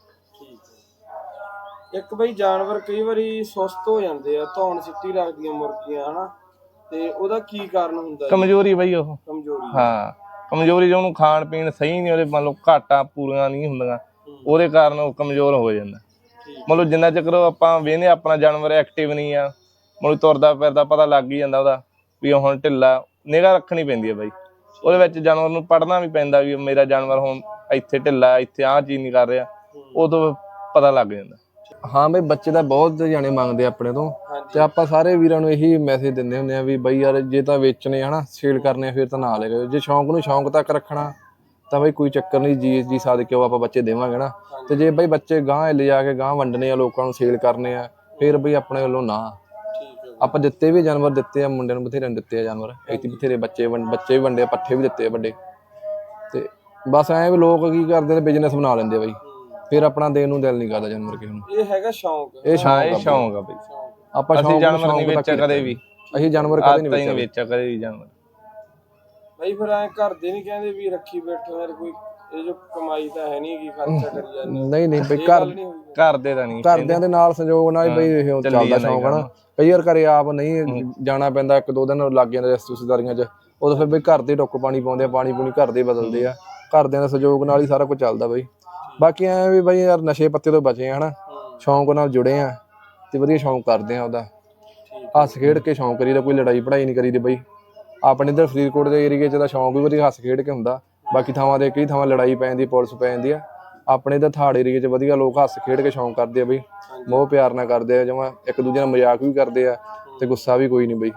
[SPEAKER 1] ਇੱਕ ਬਈ ਜਾਨਵਰ ਕਈ ਵਾਰੀ ਸੁਸਤ ਹੋ ਜਾਂਦੇ ਆ, ਧੌਣ ਸਿੱਟੀ ਰੱਖਦੀਆਂ ਮੁਰਗੀਆਂ ਹਨਾ, ਤੇ ਉਹਦਾ ਕੀ ਕਾਰਨ ਹੁੰਦਾ?
[SPEAKER 3] ਕਮਜ਼ੋਰੀ ਬਈ, ਉਹ
[SPEAKER 1] ਕਮਜ਼ੋਰੀ।
[SPEAKER 3] ਹਾਂ ਕਮਜ਼ੋਰੀ, ਜੋ ਉਹਨੂੰ ਖਾਣ ਪੀਣ ਸਹੀ ਨਹੀਂ, ਉਹਦੇ ਮੰਨ ਲਓ ਘਾਟਾਂ ਪੂਰੀਆਂ ਨਹੀਂ ਹੁੰਦੀਆਂ, ਉਹਦੇ ਕਾਰਨ ਉਹ ਕਮਜ਼ੋਰ ਹੋ ਜਾਂਦਾ। ਮਤਲਬ ਜਿੰਨਾ ਚਿਰ ਆਪਾਂ ਵੇਖਦੇ ਆਪਣਾ ਜਾਨਵਰ ਐਕਟਿਵ ਨਹੀਂ ਆ, ਮਤਲਬ ਤੁਰਦਾ ਫਿਰਦਾ ਪਤਾ ਲੱਗ ਹੀ ਜਾਂਦਾ ਉਹਦਾ ਵੀ ਹੁਣ ਢਿੱਲਾ, ਨਿਗਾਹ ਰੱਖਣੀ ਪੈਂਦੀ ਹੈ ਬਾਈ। ਉਹਦੇ ਵਿੱਚ ਜਾਨਵਰ ਨੂੰ ਪੜ੍ਹਨਾ ਵੀ ਪੈਂਦਾ ਵੀ ਮੇਰਾ ਜਾਨਵਰ ਹੁਣ ਇੱਥੇ ਢਿੱਲਾ, ਇੱਥੇ ਆਹ ਚੀਜ਼ ਨਹੀਂ ਕਰ ਰਿਹਾ, ਉਦੋਂ ਪਤਾ ਲੱਗ ਜਾਂਦਾ।
[SPEAKER 2] ਹਾਂ ਬਈ ਬੱਚੇ ਤਾਂ ਬਹੁਤ ਜਾਣੇ ਮੰਗਦੇ ਆਪਣੇ ਤੋਂ, ਤੇ ਆਪਾਂ ਸਾਰੇ ਵੀਰਾਂ ਨੂੰ ਇਹੀ ਮੈਸੇਜ ਦਿੰਦੇ ਹੁੰਦੇ ਆ ਵੀ ਬਈ ਯਾਰ ਜੇ ਤਾਂ ਵੇਚਣੇ ਹਨਾ ਸੇਲ ਕਰਨੇ ਫਿਰ ਤਾਂ ਨਾ ਲੈ ਕੇ, ਜੇ ਸ਼ੌਂਕ ਨੂੰ ਸ਼ੌਂਕ ਤੱਕ ਰੱਖਣਾ ਤਾਂ ਬਈ ਕੋਈ ਚੱਕਰ ਨਹੀਂ, ਜੀ ਜੀ ਸਾਦਕੇ ਉਹ ਆਪਾਂ ਬੱਚੇ ਦੇਵਾਂਗੇ ਨਾ। ਤੇ ਜੇ ਬਈ ਬੱਚੇ ਗਾਂਹ ਲੈ ਜਾ ਕੇ ਗਾਂਹ ਵੰਡਣੇ ਆ, ਲੋਕਾਂ ਨੂੰ ਸੇਲ ਕਰਨੇ ਆ, ਫਿਰ ਬਈ ਆਪਣੇ ਵੱਲੋਂ ਨਾ। ਆਪਾਂ ਦਿੱਤੇ ਵੀ ਜਾਨਵਰ ਦਿੱਤੇ ਆ, ਮੁੰਡਿਆਂ ਨੂੰ ਬਥੇਰੇ ਦਿੱਤੇ ਆ ਜਾਨਵਰ, ਇੱਥੇ ਬਥੇਰੇ ਬੱਚੇ ਬੱਚੇ ਵੀ ਵੰਡੇ ਆ, ਪੱਠੇ ਵੀ ਦਿੱਤੇ ਆ ਵੱਡੇ। ਤੇ ਬਸ ਐਂ ਵੀ ਲੋਕ ਕੀ ਕਰਦੇ ਨੇ ਬਿਜ਼ਨਸ ਬਣਾ ਲੈਂਦੇ ਬਈ, ਫਿਰ ਆਪਣਾ ਦੇਣ ਨੂੰ ਦਿਲ ਨਹੀਂ ਕਰਦਾ ਜਾਨਵਰ ਕਿਸੇ ਨੂੰ।
[SPEAKER 1] ਇਹ ਹੈਗਾ ਸ਼ੌਂਕ,
[SPEAKER 2] ਇਹ ਸ਼ੌਂਕ
[SPEAKER 3] ਇਹ ਸ਼ੌਂਕ ਆ ਬਈ।
[SPEAKER 2] ਆਪਾਂ
[SPEAKER 3] ਅਸੀਂ ਜਾਨਵਰ ਨਹੀਂ ਵੇਚਿਆ ਕਦੇ ਵੀ,
[SPEAKER 2] ਅਸੀਂ ਜਾਨਵਰ ਕਦੇ ਨਹੀਂ
[SPEAKER 3] ਵੇਚਿਆ ਕਦੇ ਵੀ ਜਾਨਵਰ
[SPEAKER 1] ਬਈ। ਫਿਰ ਐ ਘਰ ਦੇ ਨਹੀਂ ਕਹਿੰਦੇ ਵੀ ਰੱਖੀ ਬੈਠੋ ਯਾਰ, ਕੋਈ ਇਹ ਜੋ ਕਮਾਈ ਤਾਂ ਹੈ ਨਹੀਂ, ਕੀ ਖਰਚਾ ਕਰੀ ਜਾਂਦੇ?
[SPEAKER 2] ਨਹੀਂ ਨਹੀਂ ਬਈ, ਘਰ
[SPEAKER 3] ਘਰ ਦੇ ਤਾਂ ਨਹੀਂ,
[SPEAKER 2] ਘਰਦਿਆਂ ਦੇ ਨਾਲ ਸੰਯੋਗ ਨਾਲ ਬਈ ਇਹ ਚੱਲਦਾ ਸ਼ੌਂਕ ਹਨਾ। ਕਈ ਵਾਰ ਘਰੇ ਆਪ ਨਹੀਂ ਜਾਣਾ ਪੈਂਦਾ, ਇੱਕ ਦੋ ਦਿਨ ਲੱਗ ਜਾਂਦੇ ਰਿਸ਼ਤੇਦਾਰੀਆਂ 'ਚ, ਉਦੋਂ ਫਿਰ ਬਈ ਘਰ ਦੇ ਟੁੱਕ ਪਾਣੀ ਪਾਉਂਦੇ ਆ, ਪਾਣੀ ਪੂਣੀ ਘਰ ਦੇ ਬਦਲਦੇ ਆ, ਘਰਦਿਆਂ ਦੇ ਸਹਿਯੋਗ ਨਾਲ ਹੀ ਸਾਰਾ ਕੁਝ ਚੱਲਦਾ ਬਈ। ਬਾਕੀ ਐ ਵੀ ਬਈ ਯਾਰ ਨਸ਼ੇ ਪੱਤੇ ਤੋਂ ਬਚੇ ਆ ਹਨਾ, ਸ਼ੌਂਕ ਨਾਲ ਜੁੜੇ ਆ ਤੇ ਵਧੀਆ ਸ਼ੌਂਕ ਕਰਦੇ ਆ ਉਹਦਾ, ਹੱਸ ਖੇਡ ਕੇ ਸ਼ੌਂਕ ਕਰੀਦਾ, ਕੋਈ ਲੜਾਈ ਪੜਾਈ ਨਹੀਂ ਕਰੀਦੀ ਬਈ। ਆਪਣੇ ਇੱਧਰ ਫਰੀਦਕੋਟ ਦੇ ਏਰੀਏ 'ਚ ਤਾਂ ਸ਼ੌਂਕ ਵੀ ਵਧੀਆ ਹੱਸ ਖੇਡ ਕੇ ਹੁੰਦਾ, ਬਾਕੀ ਥਾਵਾਂ ਤੇ ਕਈ ਥਾਵਾਂ ਲੜਾਈ ਪੈ ਜਾਂਦੀ, ਪੁਲਿਸ ਪੈ ਜਾਂਦੀ ਆ। ਆਪਣੇ ਇੱਧਰ ਥਾੜ ਏਰੀਏ 'ਚ ਵਧੀਆ ਲੋਕ ਹੱਸ ਖੇਡ ਕੇ ਸ਼ੌਂਕ ਕਰਦੇ ਆ ਬਈ, ਮੋਹ ਪਿਆਰ ਨਾਲ ਕਰਦੇ ਆ, ਜਮਾਂ ਇੱਕ ਦੂਜੇ ਨਾਲ ਮਜ਼ਾਕ ਵੀ ਕਰਦੇ ਆ ਤੇ ਗੁੱਸਾ ਵੀ ਕੋਈ ਨਹੀਂ ਬਈ।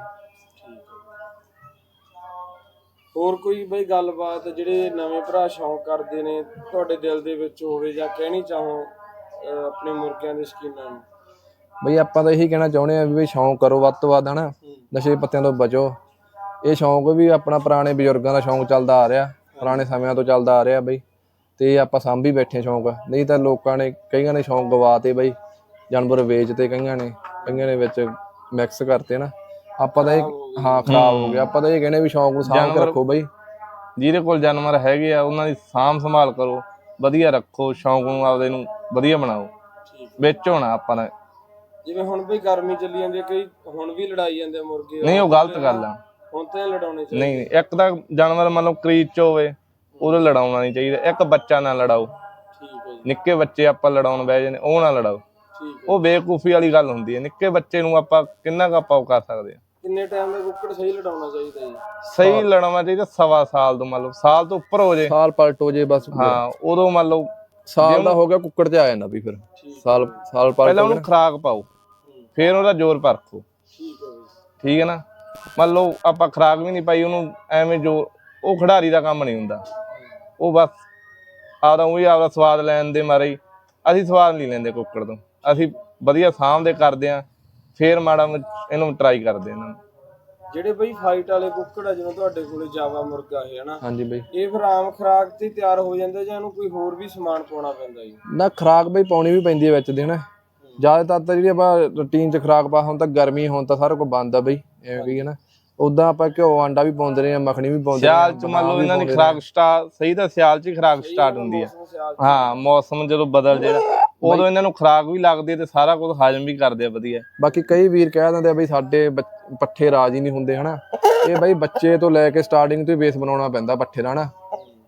[SPEAKER 1] ਹੋਰ ਕੋਈ ਬਈ ਗੱਲਬਾਤ ਜਿਹੜੇ ਨਵੇਂ ਭਰਾ ਸ਼ੌਂਕ ਕਰਦੇ ਨੇ ਤੁਹਾਡੇ ਦਿਲ ਦੇ ਵਿੱਚ ਹੋਵੇ, ਜਾਂ ਕਹਿਣੀ ਚਾਹੋ ਆਪਣੇ ਮੁਰਗਿਆਂ ਦੇ ਸ਼ੌਕੀਨਾਂ ਨੂੰ?
[SPEAKER 2] ਬਈ ਆਪਾਂ ਤਾਂ ਇਹੀ ਕਹਿਣਾ ਚਾਹੁੰਦੇ ਆ ਵੀ ਬਈ ਸ਼ੌਂਕ ਕਰੋ ਵੱਧ ਤੋਂ ਵੱਧ ਹਨਾ, ਨਸ਼ੇ ਪੱਤਿਆਂ ਤੋਂ ਬਚੋ। ਇਹ ਸ਼ੌਂਕ ਵੀ ਆਪਣਾ ਪੁਰਾਣੇ ਬਜ਼ੁਰਗਾਂ ਦਾ ਸ਼ੌਂਕ ਚੱਲਦਾ ਆ ਰਿਹਾ, ਪੁਰਾਣੇ ਸਮਿਆਂ ਤੋਂ ਚੱਲਦਾ ਆ ਰਿਹਾ ਬਈ, ਤੇ ਆਪਾਂ ਸਾਂਭੀ ਬੈਠੇ ਸ਼ੌਂਕ। ਨਹੀਂ ਤਾਂ ਲੋਕਾਂ ਨੇ ਕਈਆਂ ਨੇ ਸ਼ੌਂਕ ਗਵਾ ਤੇ ਬਈ, ਜਾਨਵਰ ਵੇਚਤੇ ਕਈਆਂ ਨੇ, ਕਈਆਂ ਨੇ ਵਿੱਚ ਮਿਕਸ ਕਰਤੇ ਨਾ। ਆਪਾਂ ਤਾਂ ਇਹ ਹਾਂ ਖਰਾਬ ਹੋ ਗਿਆ। ਆਪਾਂ ਤਾਂ ਇਹ ਕਹਿੰਦੇ ਵੀ ਸ਼ੌਂਕ ਨੂੰ ਸਾਂਭ ਕੇ ਰੱਖੋ ਬਈ,
[SPEAKER 3] ਜਿਹਦੇ ਕੋਲ ਜਾਨਵਰ ਹੈਗੇ ਆ ਉਹਨਾਂ ਦੀ ਸਾਂਭ ਸੰਭਾਲ ਕਰੋ, ਵਧੀਆ ਰੱਖੋ, ਸ਼ੌਂਕ ਨੂੰ ਆਪਦੇ ਨੂੰ ਵਧੀਆ ਬਣਾਓ, ਵਿੱਚ ਹੋਣਾ ਆਪਾਂ ਨੇ।
[SPEAKER 1] ਜਿਵੇਂ ਹੁਣ ਬਈ ਗਰਮੀ ਚੱਲੀ ਜਾਂਦੀ ਹੈ, ਕਈ ਹੁਣ ਵੀ ਲੜਾਈ ਜਾਂਦੇ ਮੁਰਗੇ,
[SPEAKER 3] ਨਹੀਂ ਉਹ ਗਲਤ ਗੱਲ ਆ,
[SPEAKER 1] ਹੁਣ ਤਾਂ ਲੜਾਉਣੇ ਚਾਹੀਦੇ।
[SPEAKER 3] ਨਹੀਂ ਇੱਕ ਤਾਂ ਜਾਨਵਰ ਮੰਨ ਲਓ ਕਰੀਜ਼ 'ਚ ਹੋਵੇ ਉਹਦੇ ਲੜਾਉਣਾ ਨਹੀਂ ਚਾਹੀਦਾ, ਇੱਕ ਬੱਚਾ ਨਾ ਲੜਾਓ, ਨਿੱਕੇ ਬੱਚੇ ਆਪਾਂ ਲੜਾਉਣ ਬਹਿ ਜਾਂਦੇ ਉਹ ਨਾ ਲੜਾਓ, ਉਹ ਬੇਵਕੂਫੀ ਵਾਲੀ ਗੱਲ ਹੁੰਦੀ ਹੈ। ਨਿੱਕੇ ਬੱਚੇ ਨੂੰ ਆਪਾਂ ਕਿੰਨਾ ਕੁ ਆਪਾਂ ਉਹ ਕਰ ਸਕਦੇ ਹਾਂ।
[SPEAKER 1] ਕਿੰਨੇ ਟਾਈਮ ਦਾ ਕੁੱਕੜ ਸਹੀ ਲੜਾਉਣਾ ਚਾਹੀਦਾ ਜੀ?
[SPEAKER 3] ਸਹੀ ਲੜਾਉਣਾ ਚਾਹੀਦਾ ਸਵਾ ਸਾਲ ਤੋਂ, ਮੰਨ ਲਓ ਸਾਲ ਤੋਂ ਉੱਪਰ ਹੋ ਜੇ,
[SPEAKER 2] ਸਾਲ ਪਲਟ ਹੋ ਜੇ ਬਸ,
[SPEAKER 3] ਹਾਂ ਉਦੋਂ ਮੰਨ ਲਓ
[SPEAKER 2] ਸਾਲ ਦਾ ਹੋ ਗਿਆ ਕੁੱਕੜ ਤੇ ਆ ਜਾਂਦਾ ਵੀ, ਫਿਰ ਸਾਲ ਸਾਲ ਪਲਟ
[SPEAKER 3] ਪਹਿਲਾਂ ਉਹਨੂੰ ਖੁਰਾਕ ਪਾਓ, ਫਿਰ ਉਹਦਾ ਜ਼ੋਰ ਪਰਖੋ, ਠੀਕ ਹੈ ਨਾ। ਮੰਨ ਲਓ ਆਪਾਂ ਖੁਰਾਕ ਵੀ ਨਹੀਂ ਪਾਈ ਉਹਨੂੰ, ਐਵੇਂ ਜੋ ਉਹ ਖਿਡਾਰੀ ਦਾ ਕੰਮ ਨਹੀਂ ਹੁੰਦਾ, ਉਹ ਬਸ ਆਪਦਾ ਉਹੀ ਆਪਦਾ ਸਵਾਦ ਲੈਣ ਦੇ ਮਾਰੇ ਹੀ। ਅਸੀਂ ਸਵਾਦ ਨਹੀਂ ਲੈਂਦੇ ਕੁੱਕੜ ਤੋਂ, ਅਸੀਂ ਵਧੀਆ ਸਾਂਭਦੇ ਕਰਦੇ ਹਾਂ, ਫੇਰ ਮਾੜਾ ਇਹਨੂੰ ਟਰਾਈ ਕਰਦੇ ਇਹਨਾਂ ਨੂੰ।
[SPEAKER 1] ਜਿਹੜੇ ਬਈ ਫਾਈਟ ਵਾਲੇ ਕੁੱਕੜ ਆ, ਜਿਵੇਂ ਤੁਹਾਡੇ ਕੋਲੇ ਜਾਵਾ ਮੁਰਗਾ ਹੈ ਹਨਾ,
[SPEAKER 2] ਹਾਂਜੀ ਬਈ,
[SPEAKER 1] ਇਹ ਫਿਰ ਆਮ ਖੁਰਾਕ ਤੇ ਤਿਆਰ ਹੋ ਜਾਂਦਾ ਜਾਂ ਇਹਨੂੰ ਕੋਈ ਹੋਰ ਵੀ ਸਮਾਨ ਪਾਉਣਾ ਪੈਂਦਾ ਜੀ?
[SPEAKER 2] ਨਾ ਖੁਰਾਕ ਬਈ ਪਾਉਣੀ ਵੀ ਪੈਂਦੀ ਹੈ ਵਿੱਚ ਦੇ ਹਨਾ, ਜ਼ਿਆਦਾਤਰ ਤਾਂ ਜਿਹੜੀ ਆਪਾਂ ਰੂਟੀਨ 'ਚ ਖੁਰਾਕ ਪਾ, ਹੁਣ ਤਾਂ ਗਰਮੀ ਹੁਣ ਤਾਂ ਸਾਰਾ ਕੁਝ ਬੰਦ ਆ ਬਈ, ਐਵੇਂ ਕਹੀਏ ਨਾ। ਉਦਾਂ ਆਪਾਂ ਘਿਓ ਆਂਡਾ ਵੀ ਪਾਉਂਦੇ ਰਹੇ ਆ, ਮੱਖਣੀ ਵੀ ਪਾਉਂਦੇ
[SPEAKER 3] ਸਿਆਲ 'ਚ ਮੰਨ ਲਓ ਇਹਨਾਂ ਦੀ ਖੁਰਾਕ ਸਟਾਰਟ ਸਹੀ ਤਾਂ ਸਿਆਲ 'ਚ ਹੀ ਖੁਰਾਕ ਸਟਾਰਟ ਹੁੰਦੀ ਆ, ਹਾਂ ਮੌਸਮ ਜਦੋਂ ਬਦਲ ਜਿਹੜਾ ਉਦੋਂ ਇਹਨਾਂ ਨੂੰ ਖੁਰਾਕ ਵੀ ਲੱਗਦੀ ਹੈ ਤੇ ਸਾਰਾ ਕੁਝ ਹਜਮ ਵੀ ਕਰਦੇ ਆ ਵਧੀਆ।
[SPEAKER 2] ਬਾਕੀ ਕਈ ਵੀਰ ਕਹਿ ਦਿੰਦੇ ਆ ਬਈ ਸਾਡੇ ਪੱਠੇ ਰਾਜ ਹੀ ਨਹੀਂ ਹੁੰਦੇ ਹਨਾ, ਇਹ ਬਈ ਬੱਚੇ ਤੋਂ ਲੈ ਕੇ ਸਟਾਰਟਿੰਗ ਤੋਂ ਹੀ ਬੇਸ ਬਣਾਉਣਾ ਪੈਂਦਾ ਪੱਠੇ ਦਾ ਹਨਾ।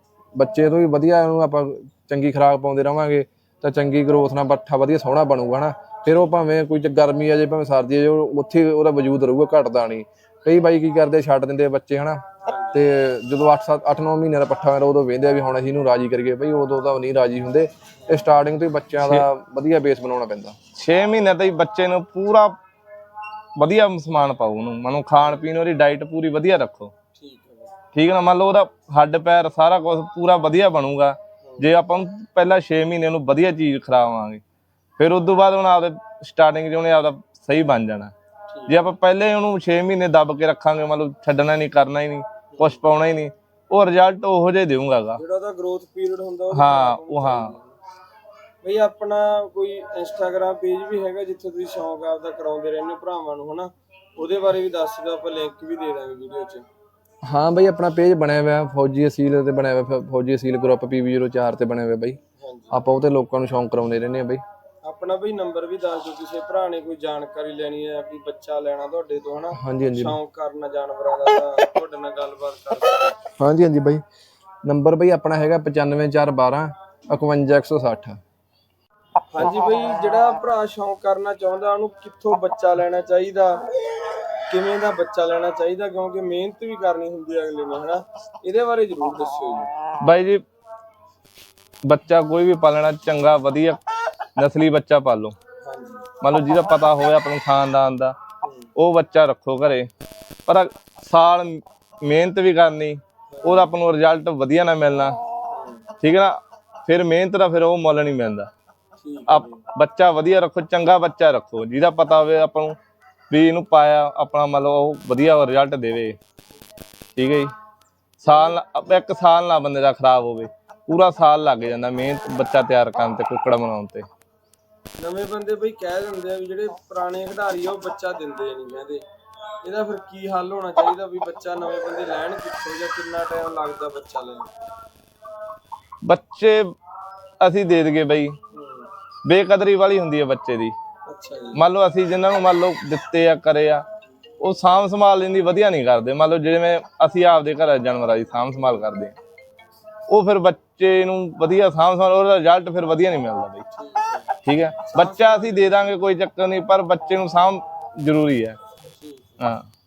[SPEAKER 2] ਬੱਚੇ ਤੋਂ ਵੀ ਵਧੀਆ ਇਹਨੂੰ ਆਪਾਂ ਚੰਗੀ ਖੁਰਾਕ ਪਾਉਂਦੇ ਰਵਾਂਗੇ ਤਾਂ ਚੰਗੀ ਗਰੋਥ ਨਾਲ ਪੱਠਾ ਵਧੀਆ ਸੋਹਣਾ ਬਣੂਗਾ ਹਨਾ। ਫਿਰ ਉਹ ਭਾਵੇਂ ਕੋਈ ਗਰਮੀ ਆ ਜੇ ਭਾਵੇਂ ਸਰਦੀ ਆ ਜੇ, ਉੱਥੇ ਉਹਦਾ ਵਜੂਦ ਰਹੂਗਾ, ਘਟਦਾ ਨਹੀਂ। ਕਈ ਬਾਈ ਕੀ ਕਰਦੇ ਛੱਡ ਦਿੰਦੇ ਆ ਬੱਚੇ ਹਨਾ, ਤੇ ਜਦੋਂ ਅੱਠ ਸੱਤ ਅੱਠ ਨੌ ਮਹੀਨੇ ਦਾ ਪੱਠਾ ਹੋਇਆ ਉਦੋਂ ਵੇਖਦੇ ਆ ਵੀ ਹੁਣ ਅਸੀਂ ਇਹਨੂੰ ਰਾਜੀ ਕਰੀਏ, ਬਈ ਉਦੋਂ ਤਾਂ ਨਹੀਂ ਰਾਜੀ ਹੁੰਦੇ। ਇਹ ਸਟਾਰਟਿੰਗ ਤੋਂ ਹੀ ਬੱਚਿਆਂ ਦਾ ਵਧੀਆ ਬੇਸ ਬਣਾਉਣਾ ਪੈਂਦਾ।
[SPEAKER 3] ਛੇ ਮਹੀਨੇ ਤੋਂ ਹੀ ਬੱਚੇ ਨੂੰ ਪੂਰਾ ਵਧੀਆ ਸਮਾਨ ਪਾਓ, ਉਹਨੂੰ ਮਨੋਂ ਖਾਣ ਪੀਣ ਉਹਦੀ ਡਾਈਟ ਪੂਰੀ ਵਧੀਆ ਰੱਖੋ, ਠੀਕ ਹੈ ਨਾ। ਮੰਨ ਲਓ ਉਹਦਾ ਹੱਡ ਪੈਰ ਸਾਰਾ ਕੁਝ ਪੂਰਾ ਵਧੀਆ ਬਣੂਗਾ ਜੇ ਆਪਾਂ ਨੂੰ ਪਹਿਲਾਂ ਛੇ ਮਹੀਨੇ ਉਹਨੂੰ ਵਧੀਆ ਚੀਜ਼ ਖਿਲਾਵਾਂਗੇ, ਫਿਰ ਉਸ ਤੋਂ ਬਾਅਦ ਹੁਣ ਆਪਦੇ ਸਟਾਰਟਿੰਗ 'ਚ ਉਹਨੇ ਆਪਦਾ ਸਹੀ ਬਣ ਜਾਣਾ। ਜੇ ਆਪਾਂ ਪਹਿਲੇ ਉਹਨੂੰ ਛੇ ਮਹੀਨੇ ਦੱਬ ਕੇ ਰੱਖਾਂਗੇ, ਮਤਲਬ ਛੱਡਣਾ ਨਹੀਂ, ਕਰਨਾ ਹੀ ਨਹੀਂ, ਕੁਛ ਪਾਉਣਾ ਹੀ ਨਹੀਂ, ਉਹ ਰਿਜ਼ਲਟ ਉਹੋ ਜਿਹਾ ਦੇਵਾਂਗਾ
[SPEAKER 1] ਜਿਹੜਾ ਉਹਦਾ ਗਰੋਥ ਪੀਰੀਅਡ ਹੁੰਦਾ ਉਹ
[SPEAKER 3] ਹਾਂ ਉਹ ਹਾਂ
[SPEAKER 1] ਬਈ ਆਪਣਾ ਕੋਈ ਇੰਸਟਾਗ੍ਰਾਮ ਪੇਜ ਵੀ ਹੈਗਾ ਜਿੱਥੇ ਤੁਸੀਂ ਸ਼ੌਂਕ ਆਪਦਾ ਕਰਾਉਂਦੇ ਰਹਿੰਦੇ ਹੋ ਭਰਾਵਾਂ ਨੂੰ ਹਨਾ, ਉਹਦੇ ਬਾਰੇ ਵੀ ਦੱਸ ਦਿਓ, ਆਪਾਂ ਲਿੰਕ ਵੀ ਦੇ ਦਾਂਗੇ ਵੀਡੀਓ 'ਚ।
[SPEAKER 2] ਹਾਂ ਬਈ ਆਪਣਾ ਪੇਜ ਬਣਿਆ ਹੋਇਆ ਫੌਜੀ ਅਸੀਲ ਤੇ ਬਣਿਆ ਹੋਇਆ ਫੌਜੀ ਅਸੀਲ ਗਰੁੱਪ ਪੀ ਵੀ ਜ਼ੀਰੋ ਚਾਰ ਤੇ ਬਣਿਆ ਹੋਇਆ ਬਈ। ਆਪਾਂ ਉਹ ਤੇ ਲੋਕਾਂ ਨੂੰ ਸ਼ੌਂਕ ਕਰਾਉਂਦੇ ਰਹਿੰਦੇ ਆ ਬਈ।
[SPEAKER 1] ਆਪਣਾ ਬਈ ਨੰਬਰ ਵੀ ਦੱਸ ਦਿਓ, ਕਿਸੇ ਭਰਾ ਨੇ ਕੋਈ ਜਾਣਕਾਰੀ ਲੈਣੀ ਹੈ ਵੀ ਬੱਚਾ ਲੈਣਾ ਤੁਹਾਡੇ ਤੋਂ ਹਨਾ,
[SPEAKER 2] ਹਾਂਜੀ ਹਾਂਜੀ
[SPEAKER 1] ਸ਼ੌਂਕ ਕਰਨਾ ਜਾਨਵਰਾਂ ਦਾ, ਤਾਂ ਤੁਹਾਡੇ ਨਾਲ ਗੱਲਬਾਤ ਕਰ ਸਕਦੇ।
[SPEAKER 2] ਹਾਂਜੀ ਹਾਂਜੀ ਬਈ ਨੰਬਰ ਬਈ ਆਪਣਾ ਹੈਗਾ ਪਚਾਨਵੇਂ ਚਾਰ ਬਾਰਾਂ ਇਕਵੰਜਾ ਇੱਕ ਸੌ ਸੱਠ।
[SPEAKER 1] ਹਾਂਜੀ ਬਈ ਜਿਹੜਾ ਭਰਾ ਸ਼ੌਂਕ ਕਰਨਾ ਚਾਹੁੰਦਾ ਉਹਨੂੰ ਕਿੱਥੋਂ ਬੱਚਾ ਲੈਣਾ ਚਾਹੀਦਾ, ਕਿਵੇਂ ਦਾ ਬੱਚਾ ਲੈਣਾ ਚਾਹੀਦਾ, ਕਿਉਂਕਿ ਮਿਹਨਤ ਵੀ ਕਰਨੀ ਹੁੰਦੀ ਹੈ ਅਗਲੇ ਨੇ ਹਨਾ, ਇਹਦੇ ਬਾਰੇ ਜ਼ਰੂਰ ਦੱਸਿਓ ਜੀ।
[SPEAKER 3] ਬਾਈ ਜੀ ਬੱਚਾ ਕੋਈ ਵੀ ਪਾਲਣਾ ਚੰਗਾ ਵਧੀਆ ਨਸਲੀ ਬੱਚਾ ਪਾਲੋ,
[SPEAKER 1] ਹਾਂਜੀ
[SPEAKER 3] ਮੰਨ ਲਓ ਜਿਹਦਾ ਪਤਾ ਹੋਵੇ ਆਪਣੇ ਖਾਨਦਾਨ ਦਾ ਉਹ ਬੱਚਾ ਰੱਖੋ ਘਰੇ, ਪਰ ਸਾਲ ਮਿਹਨਤ ਵੀ ਕਰਨੀ, ਉਹਦਾ ਆਪਾਂ ਨੂੰ ਰਿਜ਼ਲਟ ਵਧੀਆ ਨਾ ਮਿਲਣਾ, ਠੀਕ ਹੈ ਨਾ, ਫਿਰ ਮਿਹਨਤ ਦਾ ਫਿਰ ਉਹ ਮੁੱਲ ਨਹੀਂ ਮਿਲਦਾ। ਆਪ ਬੱਚਾ ਵਧੀਆ ਰੱਖੋ, ਚੰਗਾ ਬੱਚਾ ਰੱਖੋ ਜਿਹਦਾ ਪਤਾ ਹੋਵੇ ਆਪਾਂ ਨੂੰ ਵੀ ਇਹਨੂੰ ਪਾਇਆ ਆਪਣਾ ਮੰਨ ਲਓ ਉਹ ਵਧੀਆ ਰਿਜ਼ਲਟ ਦੇਵੇ, ਠੀਕ ਹੈ ਜੀ। ਸਾਲ ਇੱਕ ਸਾਲ ਨਾ ਬੰਦੇ ਦਾ ਖਰਾਬ ਹੋਵੇ, ਪੂਰਾ ਸਾਲ ਲੱਗ ਜਾਂਦਾ ਮਿਹਨਤ ਬੱਚਾ ਤਿਆਰ ਕਰਨ ਤੇ, ਕੁੱਕੜ ਬਣਾਉਣ ਤੇ।
[SPEAKER 1] ਨਵੇਂ ਬੰਦੇ ਬਈ ਕਹਿ ਦਿੰਦੇ ਆ ਵੀ ਜਿਹੜੇ ਪੁਰਾਣੇ ਖਿਡਾਰੀ ਆ ਉਹ ਬੱਚਾ ਦਿੰਦੇ ਨਹੀਂ ਕਹਿੰਦੇ, ਇਹਦਾ ਫਿਰ ਕੀ ਹੱਲ ਹੋਣਾ ਚਾਹੀਦਾ ਵੀ ਬੱਚਾ ਨਵੇਂ ਬੰਦੇ ਲੈਣ ਕਿੱਥੋਂ, ਜਾਂ ਕਿੰਨਾ ਟਾਈਮ ਲੱਗਦਾ ਬੱਚਾ ਲੈਣ?
[SPEAKER 3] ਬੱਚੇ ਅਸੀਂ ਦੇ ਦਈਏ ਬਈ, ਬੇਕਦਰੀ ਵਾਲੀ ਹੁੰਦੀ ਹੈ ਬੱਚੇ ਦੀ।
[SPEAKER 1] ਅੱਛਾ ਜੀ।
[SPEAKER 3] ਮੰਨ ਲਓ ਅਸੀਂ ਜਿਨ੍ਹਾਂ ਨੂੰ ਮੰਨ ਲਓ ਦਿੱਤੇ ਆ ਕਰੇ ਆ, ਉਹ ਸਾਂਭ ਸੰਭਾਲ ਲੈਣ ਦੀ ਵਧੀਆ ਨਹੀਂ ਕਰਦੇ। ਮੰਨ ਲਓ ਜਿਵੇਂ ਅਸੀਂ ਆਪਦੇ ਘਰ ਜਾਨਵਰਾਂ ਦੀ ਸਾਂਭ ਸੰਭਾਲ ਕਰਦੇ ਹਾਂ, ਉਹ ਫਿਰ ਬੱਚੇ ਨੂੰ ਵਧੀਆ ਸਾਂਭ ਸੰਭਾਲ, ਉਹਦਾ ਰਿਜ਼ਲਟ ਫਿਰ ਵਧੀਆ ਨਹੀਂ ਮਿਲਦਾ ਬਈ, ਠੀਕ ਹੈ। ਬੱਚਾ ਅਸੀਂ ਦੇ ਦਾਂਗੇ ਕੋਈ ਚੱਕਰ ਨਹੀਂ, ਪਰ ਬੱਚੇ ਨੂੰ ਸਾਂਭ ਜ਼ਰੂਰੀ ਹੈ। ਹਾਂ।